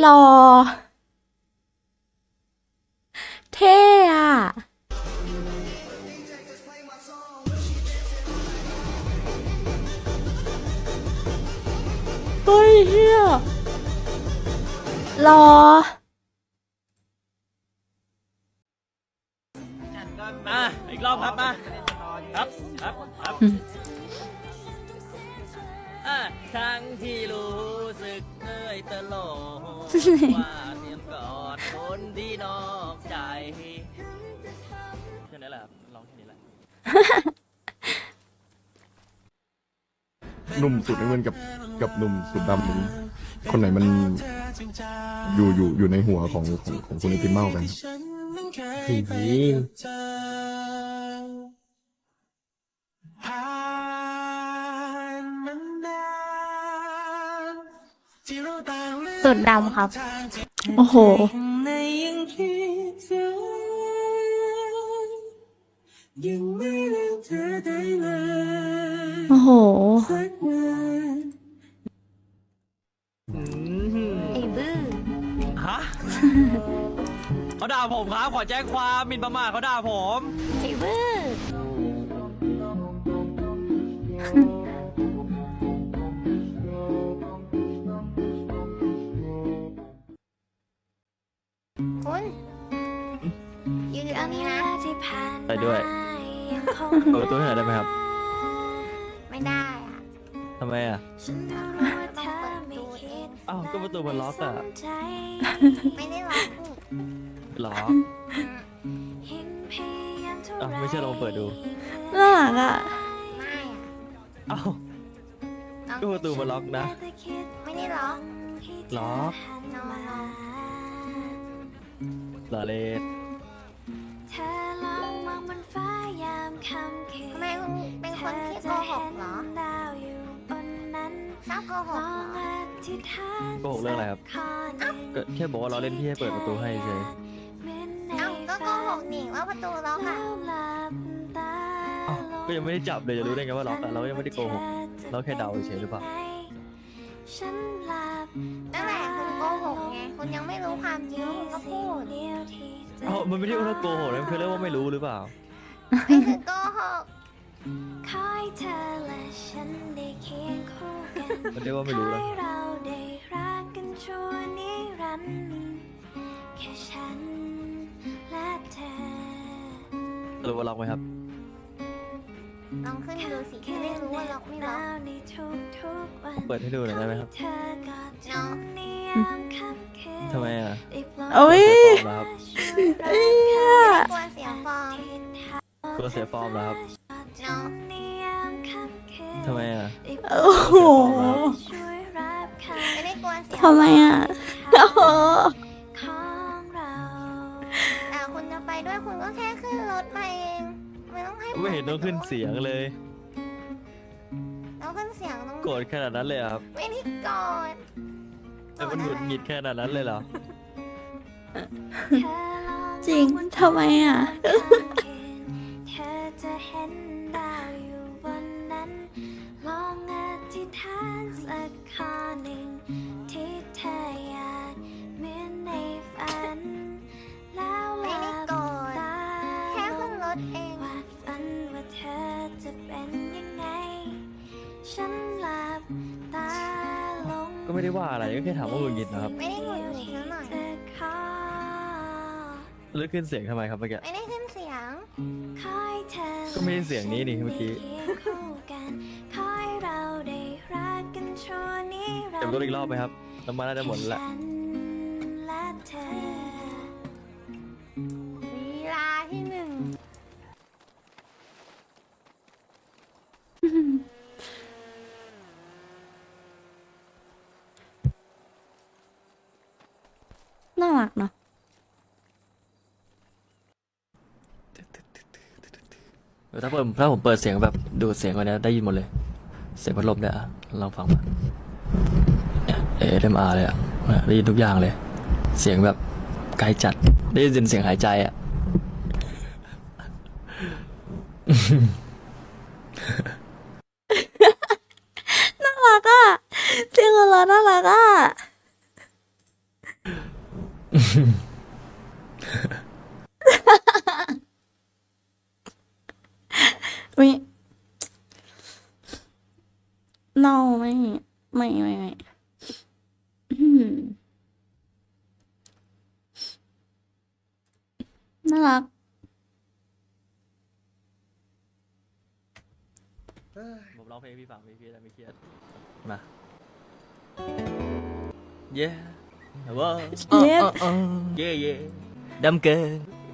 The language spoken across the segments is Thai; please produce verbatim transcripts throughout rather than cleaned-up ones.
หล่อเท่อะเฮ้ยเฮียหล่อมาอีกรอบครับมาครับครับครับอ่ะครั้งที่รู้สึกเหนื่อยตลอดว่าเตรียมกอดคนที่นอกใจแค่นี้แหละครับร้องแค่นี้แหละหนุ่มสุดน้ำเงินกับกับหนุ่มสุดดำนี้คนไหนมันอยู่อยู่อยู่ในหัวของของของคุณไอติมเมากันสุดดำครับโอ้โหโอ้โหไอ้บื้อฮะ เขาด่าผมครับขอแจ้งความหมิ่นประมาทเขาด่าผมไอ้บื้อคุณยืนอยู่ตรงนี้นะไปด้วยเปิดประตูให้หน่อยได้ไหมครับไม่ได้อะทำไมอ่ะต้องเปิดประตูเองอ้าวก็ประตูมันล็อกอ่ะไม่ได้ล็อกนี่ล็อกอ้าวไม่เชื่อลองเปิดดูน่ารักอ่ะไม่อะอ้าวก็ประตูมันล็อกนะไม่ได้ล็อกล็อกนอนหล่อเลยทำไมคุณเป็นคนที่โกหกเหรอชอบโกหกเหรอโกหกเรื่องอะไรครับ ก็แค่บอกว่าเราเล่นพี่ให้เปิดประตูให้เฉยเอ้าก็โกหกนี่ว่าประตูล็อกอ่ะอ้าวก็ยังไม่ได้จับเลยจะรู้ได้ไงว่าล็อกอ่ะเรายังไม่ได้โกหกเราแค่เดาเฉยหรือเปล่านั่นแหละคุณโกหกไงคุณยังไม่รู้ความจริงคุณก็พูดเอ้ามันไม่ได้ว่าโกหกนะมันคือเรียกว่าไม่รู้หรือเปล่าไม่คือโกหกมันเรียกว่าไม่รู้แล้วสรุปว่าล็อกไหมครับลองขึ้นดูสิไม่รู้ว่าล็อกไม่ล็อกเปิดให้ดูหน่อยได้ไหมครับเนาะทำไมอ่ะโอ้ยเสียฟอร์มแล้วครับเอ้ยกลัวเสียฟอร์มกลัวเสียฟอร์มแล้วครับเนาะทำไมอ่ะโอ้โหไม่ได้กลัวเสียทำไมอ่ะโอ้โหแต่คุณจะไปด้วยคุณก็แค่ขึ้นรถมาเองไม่ต้องให้ไม่เห็นต้องขึ้นเสียงเลยเราขึ้นเสียงต้องโกรธขนาดนั้นเลยเหรอครับไม่ได้กอดแต่มันหงุดหงิดขนาดนั้นเลยเหรอจริงทำไมอ่ะไม่ได้กอดแค่ขึ้นรถเองก็ไม่ได้ว่าอะไรก็แค่ถามว่าหงุดหงิดนะครับไม่ได้หงุดหงิดนะหน่อยแล้วขึ้นเสียงทำไมครับเมื่อกี้ไม่ได้ขึ้นเสียงก็ไม่ได้เสียงนี้นี่เมื่อกี้เก็บรถอีกรอบไหมครับน้ำมันน่าจะหมดแล้วลีลาที่หนึ่งน่ารักเนาะถ้าเปิดถ้าผมเปิดเสียงแบบดูดเสียงกว่านี้ได้ยินหมดเลย เสียงพัดลมเนี่ยอะลองฟังมาเอเอ็มอาร์เลยอ่ะได้ยินทุกอย่างเลย เสียงแบบไกลจัดได้ยินเสียงหายใจอ่ะน่ารักอ่ะเสียงของเราน่ารักอ่ะอุ้ย no ไม่ไม่ไม่ไม่อืมน่ารักผมร้องเพลงให้พี่ฟังพี่พี่ได้ไม่เครียดมา yeah ว้าว Yes เย่เย่ดำเกิน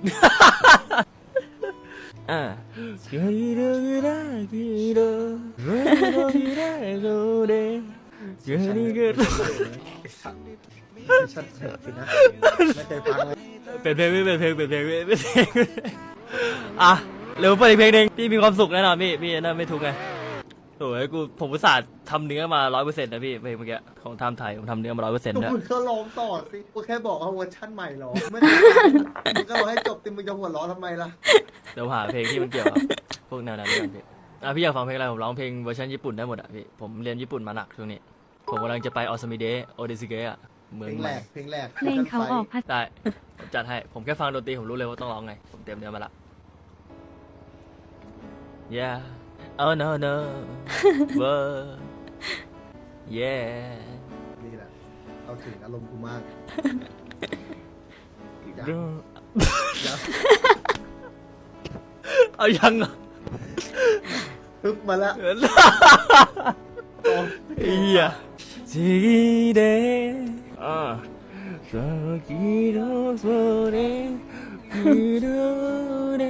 อ่าเกิดอะไรขึ้นเกิดอะไรขึ้นเกิดอะไรขึ้นชัดเจนสินะไม่เคยฟังเลยเป็นเพลงเป็นเพลงเป็นเพลงเป็นเพลงอ่ะเร็วเปิดอีกเพลงหนึ่งพี่มีความสุขแน่นอนพี่พี่น่าไม่ทุกข์ไงโอ้ยกูผมอุตส่าห์ทำเนื้อมาร้อยเปอร์เซ็นต์นะพี่เพลงเมื่อกี้ของไทม์ไทยผมทำเนื้อมาร้อยเปอร์เซ็นต์ก็นะมึงก็ร้องต่อสิกูแค่บอกว่าเวอร์ชั่นใหม่หรอไม่ได้ฟังมึงก็ร้องให้จบติมึงจะหัวเร้อทำไมล่ะเดี๋ยวหาเพลงที่มันเกี่ยวกับพวกแนวนั้นด้วยกันพี่อ่ะพี่อยากฟังเพลงอะไรผมร้องเพลงเวอร์ชันญี่ปุ่นได้หมดอ่ะพี่ผมเรียนญี่ปุ่นมาหนักช่วงนี้ผมกำลังจะไปออสมิเดะโอเดซิเกะเมืเพองลงใหแรม่กเพลงแรกเพลงเขาออกภาษาได้ผมจัดให้ผมแค่ฟังดนตรีผมรู้เลยว่าต้องร้องไงผมเตรียมเนื้อมาละ yeah oh no no whoa yeah นี่แหละเอาถึงอารมณ์กูมากยังดูยังเอายังอ่ะปึ๊บมาแล้วเฮียจีเดอ่าสกิโดโซเดกิโดเด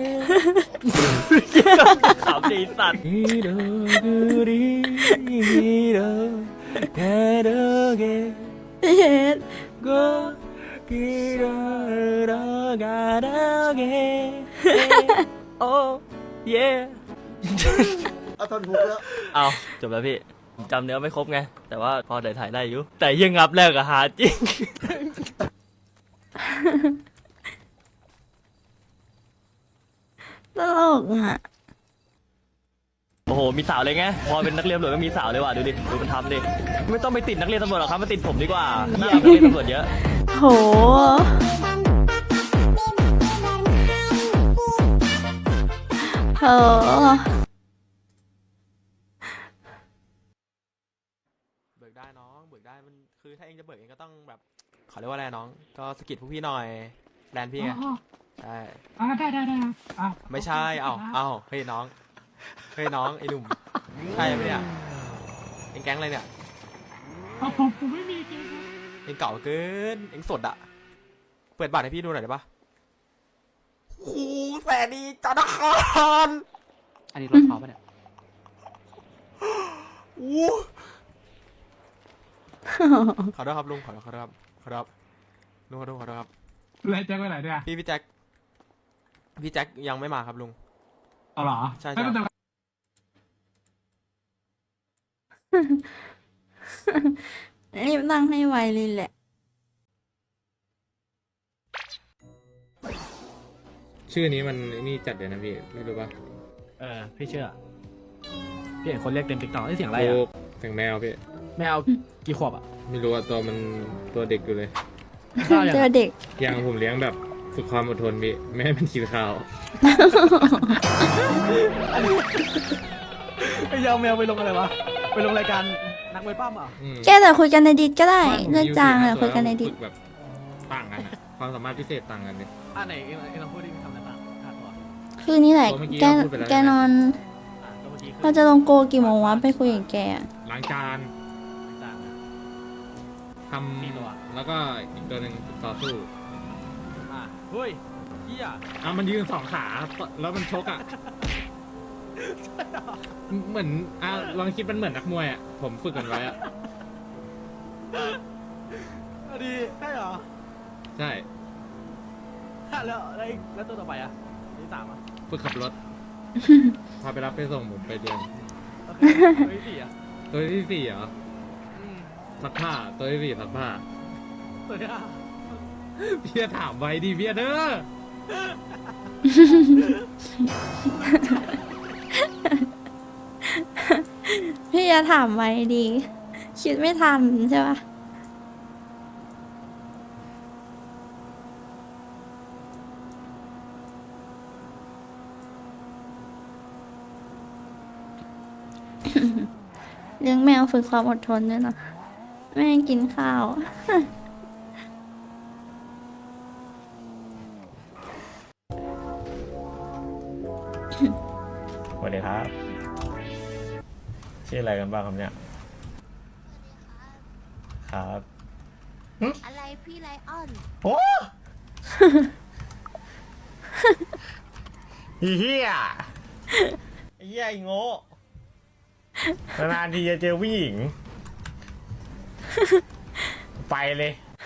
ขำดีสัตว์กิโดกุริกิโดแคโดเก Yes โกกิโดโดกาโดเกโอ้เย่เอาทอนฮุกแล้วเอาจบแล้วพี่ผมจำเนื้อไม่ครบไง แต่ว่าพอได้ถ่ายได้อยู่ แต่ยังงับแรกอะหาจริงตลกอ่ะโอ้โห มีสาวเลยไง พอเป็นนักเรียนตำรวจก็มีสาวเลยว่ะ ดูดิ ดูมันทำดิ ไม่ต้องไปติดนักเรียนตำรวจหรอกครับ มาติดผมดีกว่าหน้านักเรียนตำรวจเยอะโหเออเบิกได้น้องเบิกได้มันคือถ้าเองจะเบิกเองก็ต้องแบบขอเรียกว่าอะไรน้องก็สะกิดพวกพี่หน่อยแลนพี่ไงอ๋อใช่อ่าได้ได้ได้อ่าไม่ใช่เอ้าเอ้าเฮ้ยน้องเฮ้ยน้องไอ้หนุ่มใช่ไหมเนี่ยเองแก๊งอะไรเนี่ยเอาผมผมไม่มีจริงครับเองเก่าเกินเองสดอะเปิดบัตรให้พี่ดูหน่อยได้ปะโอ้โหแสนดีจันทคารอันนี้รถเขาปะเนี่ยโอ้ขอโทษครับลุงขอโทษขอโทษครับขอโทษครับลุงขอโทษขอโทษครับแล้วแจ็คไปไหนเนี่ยพี่พี่แจ็คพี่แจ็คยังไม่มาครับลุงเอาเหรอใช่ไม่เป็นไรรีบตั้งให้ไวเลยแหละชื่อนี้มันนี่จัดเดี๋ยวนะพี่ไม่รู้ป่ะเออพี่เชื่อพี่เห็นคนเรียกเต็มติ๊กต็อกเสียงอะไรโอ้อ่ะเสียงแมวพี่ไม่เอากี่ขวบอ่ะไม่รู้ว่าตัวมันตัวเด็กอยู่เลยข้าวยังเจอเด็กยังผมเลี้ยงแบบฝึกความอดทนพี่ไม่ให้มันกินข้าวไอ้ยาวแมวไปลงอะไรวะไปลงรายการนักมวยปั้มอ่ะอืมแกแต่คุยกันในดิสก็ได้ผมเรื่องจางเลยคุยกันในดิสฝึกแบบต่างกันอะความสามารถพิเศษต่างกันเลยอ่ะไหนเอ็งเอ็งลองพูดดิมีคำอะไรบ้างขาดตัวคือนี่แหละตัวเมื่อกี้แกเราพูดไปแล้วแกนอนอ่ะตัวเมื่อกี้คือเราจะลงโกกี่โมงวะไปคุยกับแกอะล้างจานต่างๆนะทมีตัวำแล้วก็อีกตัวหนึ่งต่อสู้อ่ะเฮ้ยเฮียอ่ะมันยืนสองขาแล้วมันชกอ่ะเหมือนอ่ะลองคิดมันเหมือนนักมวยอ่ะผมฝึกกันไว้อ่ะเอาดีได้เหรอใช่ฮะแล้วแล้วแล้วตัวต่อไปอ่ะที่สามอ่ะฝึกขับรถ พาไปรับไปส่งผมไปเรียนโอเคตัวที่สี่อ่ะตัวที่สี่เหรออืมซักผ้าตัวที่สี่ซักผ้าตัวที่ห้าพี่จะถามไว้ดิพี่เด้อพี่จะถามไว้ดี คิดไม่ทันใช่ปะเลี้ยงแมวฝึกความอดทนด้วยนะไม่ให้กินข้าวสวัสดีครับ ชื่ออะไรกันบ้างครับเนี่ย ครับอะไรพี่ไลออนโอ้เฮียไอ้เฮียไอ้โง่นานๆทีจะเจอผู้หญิง ไปเลย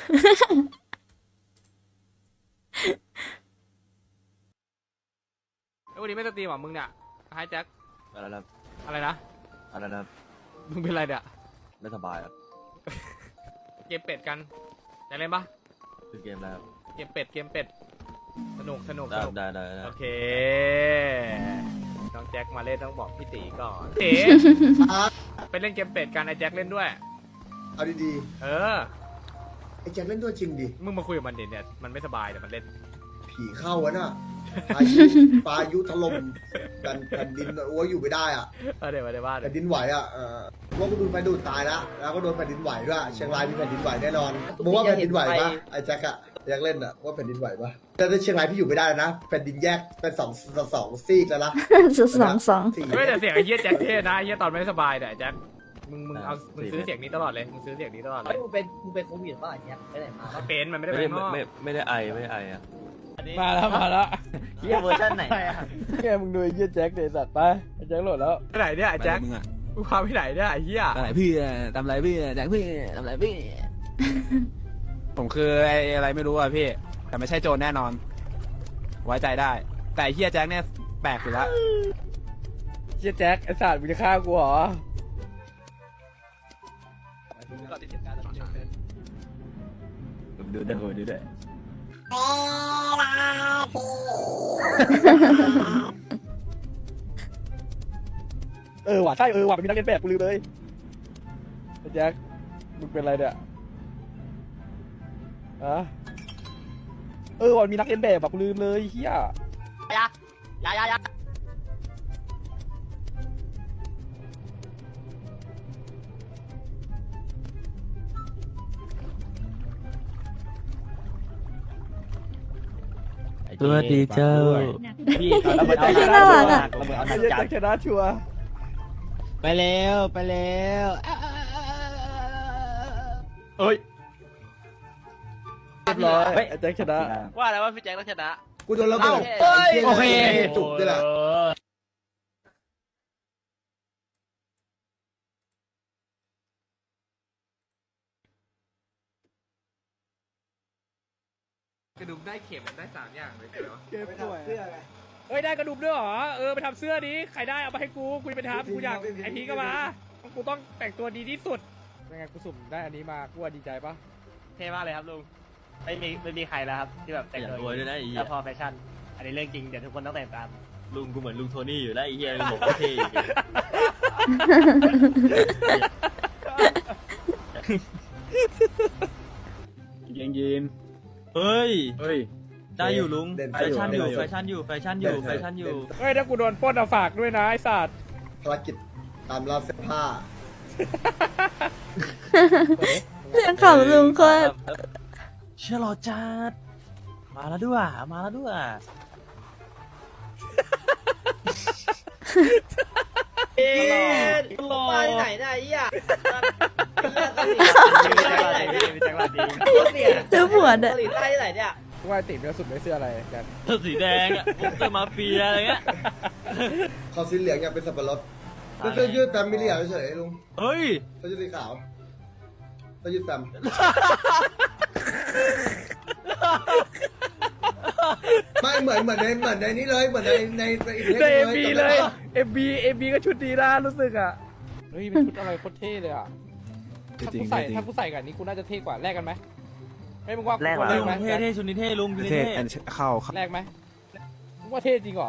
ไอ้วันนี้ไม่สตรีมหรอมึงเนี่ยไฮแจ็คอะไรนะอะไรนะอะไรนะมึงเป็นอะไรเนี่ยไม่สบายอ่ะเกมเป็ดกันจะเล่นปะคือเกมแล้วเกมเป็ดเกมเป็ดสนุกสนุกได้สนุกได้ได้ได้โอเคน้องแจ็คมาเล่นต้องบอกพี่ตีก่อนเต๋อ่ะไปเล่นเกมเป็ดกันไอ้แจ็คเล่นด้วยเอาดีเออๆไอ้แจ็คเล่นด้วยจริงดิมึงมาคุยกับมันดิเนี่ยมันไม่สบายแต่มันเล่นผีเข้าวะน่ะพายุพายุถล่มแผ่นแผ่นดินโอ้ยอยู่ไม่ได้อ่ะเออเดี๋ยวมาเดี๋ยวว่าเดี๋แผ่ยนดินไหวอ่ะเออว่ากูโดนไฟดูดตายแล้วแล้วก็โดนแผ่นดินไหวด้วยเชียงรายมีแผ่นดินไหวแน่นอนมึงว่าแผ่นดินไหวปะไอ้แจ็คอะแจ็คเล่นอะว่าแผ่นดินไหวปะแต่ในเชียงรายพี่อยู่ไม่ได้แล้วนะแผ่นดินแยกเป็นสองสองสองซีกแล้วนะจุดสองสองสี่ไม่แต่เสียงไอ้เหี้ยแจ็คเท่นะไอ้เหี้ยตอนไม่สบายเนี่ยไอ้แจ็คมึงมึงเอามึงซื้อเสียงนี้ตลอดเลยมึงซื้อเสียงนี้ตลอดเลยมึงเป็นมึงเป็นโควิดป่ะอย่างเงี้ยไปไหนมาเป็นมันไม่ได้ไม่เป็ได้นนอกไม่ไม่ได้ไอไม่ได้ไออ่ะมาแล้วมาแล้วเฮียเวอร์ชันไหนอะแกมึงดูไอ้เหี้ยแจ็คเดสัตว์ไปไอ้แจ็คโหลดแล้วไปไหนเนี่ยไอ้แจ็คมึงพาไปไหนเนี่ยไอ้เหี้ยทำไรพี่ทำไรพี่แจ็คพี่ทำไรพี่ผมคือไอ้อะไรไม่รู้อ่ะพี่ แต่ไม่ใช่โจรแน่นอน ไว้ใจได้ แต่เฮียแจ็คเนี่ยแปลกอยู่แล้วเหี้ยแจ็คไอ้สัตว์มึงจะฆ่ากูเหรอดูได้ดูดูได้เออว่ะใช่เออว่ะมันมีนักเรียนแบบกูลืมเลยไอ้แจ็คมึงเป็นอะไรเนี่ยฮะเออว่ะมันมีนักเรียนแบบแบบกูลืมเลยเฮียยา ยายายาสวัสดีเจ้าพี่เอามาใจน่ารักอะเราเอาไอ้น้ำเหี้ยจัแจ็ดคชนะชัวร์ไปแล้วไปแล้วเอ้ยเรียบร้อยไอ้แจ็คชนะว่าแล้วว่าพี่แจ็คต้องชนะกูโดนระเบิดเอ้าโอเคจุกด้วยแหละกระดุมได้เข็มได้สามอย่างเลยเหรอเเฮ้ยได้กระดุมด้วยเหรอ เออไปทำเสื้อดิใครได้เอามาให้กูกูจะไปทำกูอยากไอพีก็มา กูต้องแต่งตัวดีที่สุดเป็นไงกูสุ่มได้อันนี้มากูว่าดีใจปะเท่มากเลยครับลุง ไม่มีไม่มีใครแล้วครับ ที่แบบแต่งอย่าตัวรวยด้วยนะไอ้เหี้ยแล้วพอแฟชั่น อันนี้เรื่องจริง เดี๋ยวทุกคนต้องแต่งตามลุงกูเหมือนลุงโทนี่อยู่แล้วไอ้เหี้ยบอกว่าเท่อีกยิงยินเฮ้ยเฮ้ยได้อยู่ลุงเด่นแฟชั่นอยู่เด่นแฟชั่นอยู่แฟชั่นอยู่แฟชั่นอยู่เฮ้ยถ้ากูโดนปล้นเอาฝากด้วยนะไอ้สัตว์ภารกิจตามล่าเสื้อผ้าเสียงขับลุงโคตรเชื่อรอจัดมาแล้วด้วยมาแล้วด้วยเอ๊ะบ้านไหนน่ะไอ้เหี้ยเกาหลีใต้ที่ไหนเนี่ยเจอผัวเด้อเกาหลีใต้ที่ไหนเนี่ยกูว่าไอ้ติ๋มจะสุ่มได้เสื้ออะไรกันเสื้อสีแดงอ่ะพวกเสื้อมาเฟียอะไรเงี้ยเขาสีเหลืองอยากเป็นสับปะรดแล้วเสื้อยืดแฟมมิเลียเฉยๆลุงเฮ้ยเสื้อยืดสีขาวเสื้อยืดแฟมไม่เหมือนเหมือนในเหมือนในนี้เลยเหมือนในในในอีกได้เอ็มจำบีได้เลยปะเอ็มบีเอ็มบีก็ชุดดีนะรู้สึกอ่ะ เฮ้ยเป็นชุดอะไรโคตรเท่เลยอ่ะ ถ้ากูใส่ถ้ากูใส่กับอันนี้กูน่าจะเท่กว่าแลกกันไหมไม่มึงว่ากูแลกว่าเหรอแลกไหมเท่เท่ชุดนี้เท่ลุงชุดนี้เท่เข้าแลกไหมมึงว่าเท่จริงเหรอ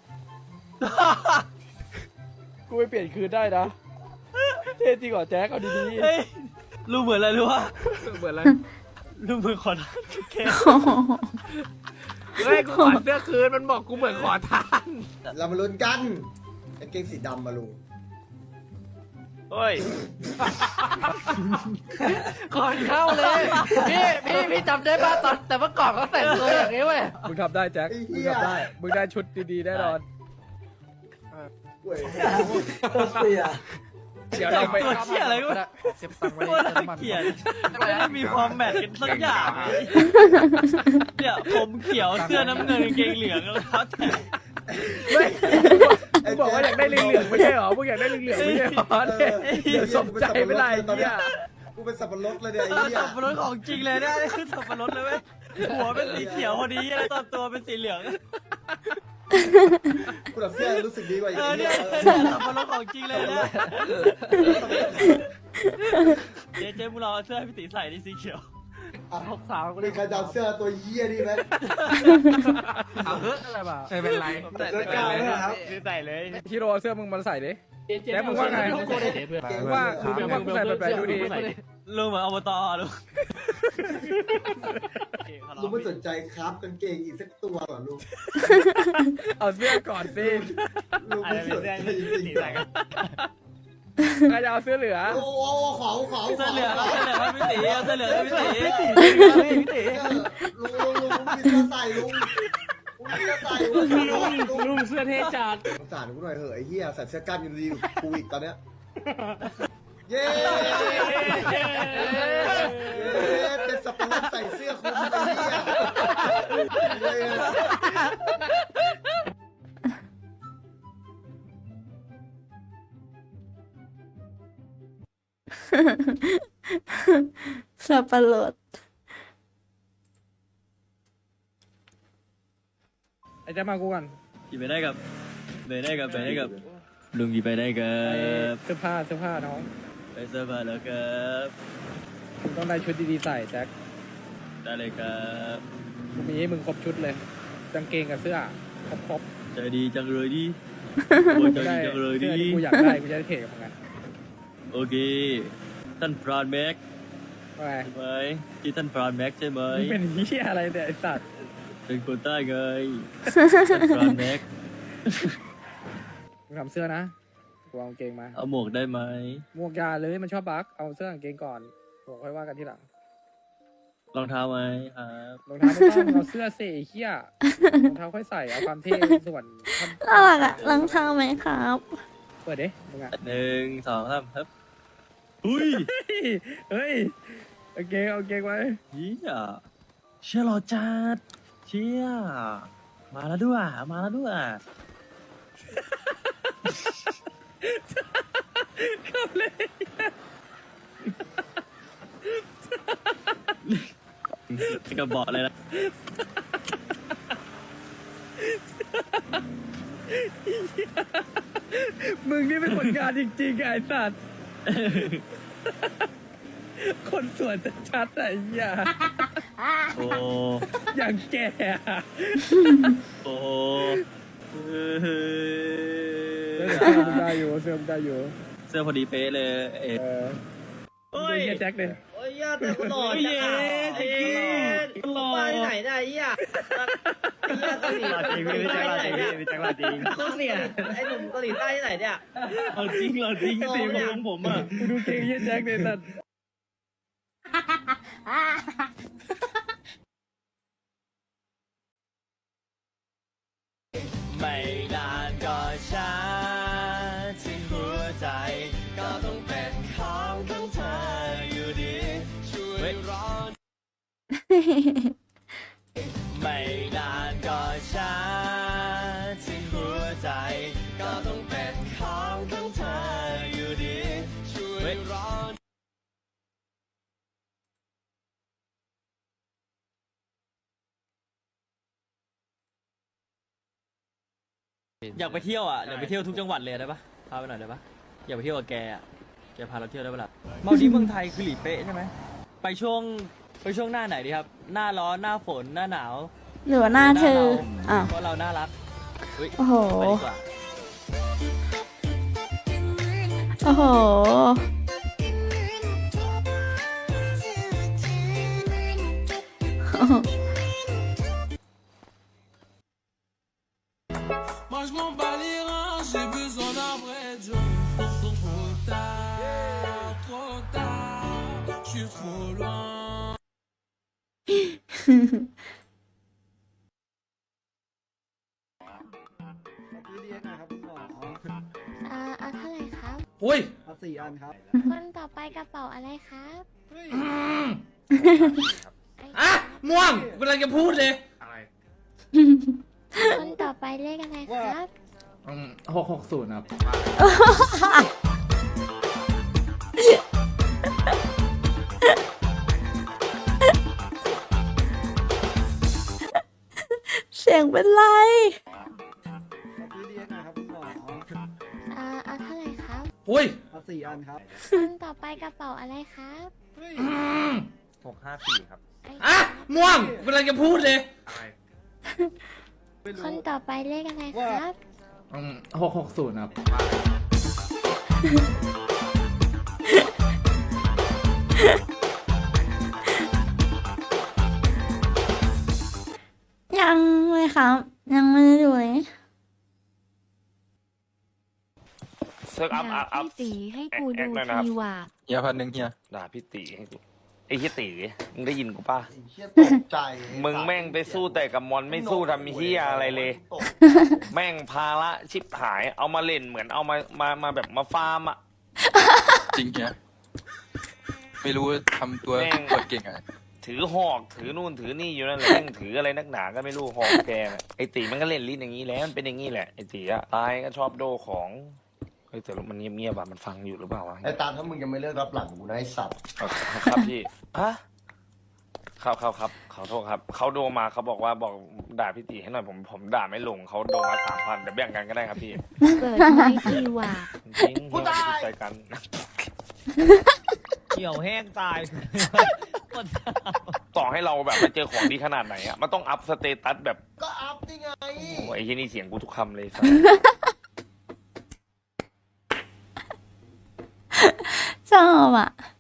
กูไปเปลี่ยนคืนได้นะ เท่จริงเหรอแจ็คเอาดีเฮ้ยลุงเหมือนอะไรรู้ปะๆเหมือนอะไรลุงเหมือนขอทานแค่เฮ้ยกูขอเสื้อคืนมันบอกกูเหมือนขอทานเรามาลุ้นกันกางเกงสีดำมาลุงเฮ้ยก่อนเข้าเลย พี่พี่พี่จำได้ป่ะตอนแต่เมื่อก่อนเขาแต่งตัวอย่างนี้เว้ยมึงทำได้แจ็คมึงทำได้มึงได้ชุดดีๆแน่นอนเว้ยเดี๋ยวเราไปตัวเชี่ยอะไรก็เก็บตังค์ไว้ในน้ำมันเขียนไม่ได้มีความแมทกันสักอย่างเนี่ยผมเขียวเสื้อน้ำเงินกางเกงเหลืองแล้วครับแต่มึงบอกว่าอยากได้เหลืองๆไม่ใช่หรอมึงอยากได้เหลืองๆไม่ใช่หรอเนี่ยเดี๋ยวสมใจไม่ไรเนี่ยกูเป็นสับปะรดเลยเนี่ยไอ้เออเหี้ยสับปะรดของจริงเลยนะนี่คือสับปะรดเลยเว้ยหัวเป็นสีเขียวพอดีแล้วตอนตัวเป็นสีเหลืองกูแบบเสื้อรู้สึกดีกว่าอีกเออไอ้เนี่เหี้ยยเนี่ยสับปะรดของจริงเลยนะเจ๊เจ๊มึงลองเอาเสื้อให้พี่ตีใส่ดิสีเขียวหกสาวมีใครจะเอาเสื้อตัวเหี้ยนี่ไหมเอาเฮ้ยอะไรบ้าไม่เป็นไรเสื้อกาวนะครับใส่เลยฮิโร่เอาเสื้อมึงมาใส่ดิแจ็คมึงว่าไงมึงว่ามึงว่ากูใส่แบบแบบดูดีลุงเหมือนอบตลุงลุงไม่สนใจครับกางเกงอีกสักตัวเหรอลุงเอาเสื้อก่อนสิลุงอาจไม่จะสเป็นนเสื้อใจที่จริงตีๆใส่กันใครจะเอาเสื้อเหลือโอ้โหขอขอเสื้อเหลืองเสื้อเหลืองให้พี่ตีเอาเสื้อเหลืองให้พี่ตีพี่ตีลุงลุงลุงมีเสื้อใส่ลุงลุงมีเสื้อใส่ลุงลุงเสื้อเท่จัดสงสารกูหน่อยเถอะไอ้เหี้ยใส่เสื้อกล้ามยังดีกว่ากูอีกตอนเนี้ยเย้เย้เป็นสับปะรดใส่เสื้อคลุมไอ้เหี้ยเย้สับปะรดไอ้แจ็คมากูกันกี่ไปได้กับไปได้กับไปได้กับลุงกี่ไปได้กัไปบเสื้อผ้าเสื้อผ้าน้องไปเสื้อผ้าแล้วครับมึงต้องได้ชุดดีๆใส่แจ็คได้เลยครับกูมีให้มึงครบชุดเลยกางเกงกับเสื้อครบครบใจดีจังเลยดิโอ้ยใจได้ดีจังเลยเสื้ดิอที่กูอยากได้กูจะได้เทกับมึงไงโอเคท่านพรานแม็กว่าไงใช่ไหมที่ท่านพรานแม็กใช่ไหมมึงเป็นเหี้ยอะไรเนี่ยไอ้สัตว์เป็นคนใต้ไงท่านพรานแม็กมึงทำเสื้อนะกูเอากางเกงมาเอาหมวกได้ไหมหมวกยาเลยมันชอบบักเอาเสื้อกางเกงก่อนหมวกค่อยว่ากันทีหลังรองเท้าไหมครับรองเท้าไม่ต้องเอาเสื้อเสเหี้ยรองเท้าค่อยใส่เอาความเท่ส่วนท่อนน่ารักอะรองเท้าไหมครับเปิดดิมึงอ่ะหนึ่งสองสามครับอุ้ยเฮ้ยโอเคโอเคไว้เฮียเชี่ยหล่อจัดเชี่ยมาแล้วด้วยมาแล้วด้วยขับเลยกระบอกเลยนะมึงนี่เป็นคนงานจริงๆไอ้สัตว์คนสวนชัดๆไอ้เหี้ยโอ้อย่างแก่อะโอ้เสื้อมึงได้อยู่เสื้อมึงได้อยู่เสื้อพอดีเป๊ะเลยเอ็ดเออเฮ้ยเฮียแจ็คเลยโอ้ยย่าแต่กูหล่อจังอ่ะเอ๊ะหล่อไปไหนได้ไอ้ย่าไอ้ย่าเกาหลีหล่อจริงพี่แจ็คหล่อจริงพี่แจ็คหล่อจริงโคตรเนี่ยไอ้หนุ่มเกาหลีใต้ที่ไหนเนี่ยเอาจริงเหรอจริงสีผมผมอ่ะกูดูเก่งเฮียแจ็คเลยสัตว์ไม่นานก็ช้าที่หัวใจ ก็ต้องเป็นของของเธออยู่ดีช่วยรอไม่นานก็ช้าที่หัวใจ ก็ต้องเป็นของของเธออยู่ดีช่วยรออยากไปเที่ยวอ่ะอยากไปเที่ยวทุกจังหวัดเลยได้ปะพาไปหน่อยได้ปะอยากไปเที่ยวกับแกอ่ะแกพาเราเที่ยวได้ปะล่ะมาดีเมืองไทยคือหลีเป๊ะใช่ไหมไปช่วงไปช่วงหน้าไหนดีครับ หน้าร้อนหน้าฝนหน้าหนาวหรือว่าหน้าเธอหน้าอ้าวเราเพราะเราน่ารักอุ๊ยโอ้โหไปดีกว่าโอ้โห Moi je m'en bats les reins, j'ai besoin d'un vrai job pour ton potard. อ่าเอาเท่าไหร่ครับอุ้ยคนต่อไปกระเป๋าอะไรครับอ่ะม่วงกูกำลังจะพูดเลยคนต่อไปเลขอะไรครับหกหกศูนย์ครับเสียงเป็นไรอ่าเอาเท่าไหร่ครับอุ้ยคนต่อไปกระเป๋าอะไรครับหกห้าสี่ครับอ่ะม่วงกูกำลังจะพูดเลยคนต่อไปเลขอะไรครับหกหกศูนย์ครับยังเลยครับ ยังไม่ได้ดูเลยเซิร์ฟอัพอัพอัพพี่ตีให้กูแอดูคหน่อยนะครับทีว่าเฮียพันหนึ่งเฮียด่าพี่ตีให้กูไอ้เฮียตีมึงได้ยินกูป่ะเฮียตกใจมึงแม่งไปสู้แต่กับมอนไม่สู้ทำเฮียอะไรเลยตกแม่งภาระชิบหาย เอามาเล่นเหมือนเอามามามาแบบมาฟาร์มอ่ะจริงเฮียไม่รู้ทำตัวแม่งเปิดเก่งอะถือหอกถือนู่นถือนี่อยู่นั่นแหละแม่งถืออะไรนักหนาก็ไม่รู้หอกแกน่ะไอ้ตีมันก็เล่นลิ้นอย่างนี้แล้วมันเป็นอย่างนี้แหละไอ้ตีอะตายก็ชอบโดของเฮ้ยแต่มันเงียบๆอะมันฟังอยู่หรือเปล่าวะไอ้ตามถ้ามึงยังไม่เลิกรับหลังกูนะไอ้สัตว์เอาครับพี่ฮะครับครับครับขอโทษครับเขาโดมาเขาบอกว่าบอกด่าพี่ตีให้หน่อยผมผมด่าไม่ลงเขาโดมาสามพันแต่แบ่งกันก็ได้ครับพี่เปิดไม้ทีว่าจริงๆเราไม่ใจกันเขียวแห้งตายต่อให้เราแบบไปเจอของดีขนาดไหนอะมันต้องอัพสเตตัสแบบก็อัพนี่ไงโอ้ยไอ้ที่นี่เสียงกูทุกคำเลยสัสชอบอ่ะ